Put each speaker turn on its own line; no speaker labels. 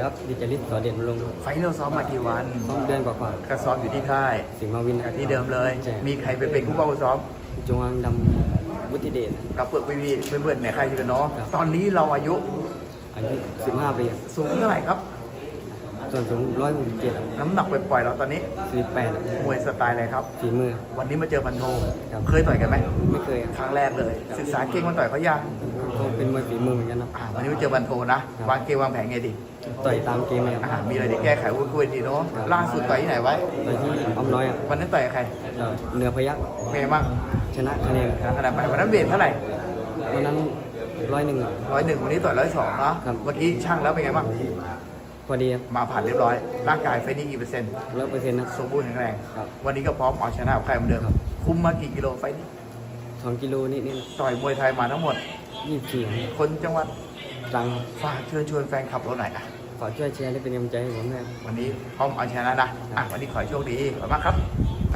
ครับดิจลิตสอเด่นลงค์
ไฟท์เราซ้อมมากี่วัน
2 เดือนกว่า
ก็ซ้อมอยู่ที่ค่าย
ๆสิงห์มาวินครับ
ที่เดิมเลย
ใช่
มีใครไปเป็นผู้ว่าซ้อม
จงอางดำวุฒิเดช
กับเพื่อนพี่ๆเพื่อนๆในค่ายอยู่กันเนาะ
ครับ
ตอนนี้เราอายุ
อายุ15 ปี
สูงเท่าไหร่ครับ
ส่วนสูง167
น้ำหนักปล่อยๆเราตอนนี้
48
มวยสไตล์อะไรครับ
ฝีมือ
วันนี้มาเจอพันโท
ครับ
เคยต่อยกันไหม
ไม่เคย
ครั้งแรกเลย ศึกษาเก่งมันต่อยเขายัง
ก็เป็นมวยฝีมือเหมือนกันนะ
วันนี้มาเจอพันโทนะ
ครับ
วางเกมวางแผนไงดี
ต่อยตามเกมเลยครับ
มีอะไรที่แก้ไขวุ้นคุยดีเนาะ
ครับ
ล่าสุดต่อยที่ไหนไว้
ต่อยที่อ้อมน้อยครับ
วันนั้นต่อยกับใคร
เหนือพยัก
เป็นไงบ้าง
ชนะคะแนน
ขนาดไปวันนั้นเวทเท่าไหร่
วันนั้น101ครับ
101วันนี้ต่อย102เนาะ
ครับ
เมื่อกี้ช่างแล้วเป็นไงบ้าง
พอดีครับ
มาผ่านเรียบร้อย ร่างกายไฟนี่กี่เปอร์เซ็นต์
100%นะ
สมบูรณ์แข็งแรง
ครับ
วันนี้ก็พร้อมเอาชนะกับใครเหมือนเดิม
ครับ
คุมมากี่กิโลไฟนี้
2 กิโลนิดๆนะ
ต่อยมวยไทยมาทั้งหมด
24ครับ
คนจังหวัด
ตรังครับ
ฝากเชิญชวนแฟนคลับเราหน่อยนะ
ฝากช่วยแชร์และเป็นกำลังใจให้ผมด้วยครับ
วันนี้พร้อมเอาชนะนะ วันนี้ขอให้โชคดีขอบคุณมากครับ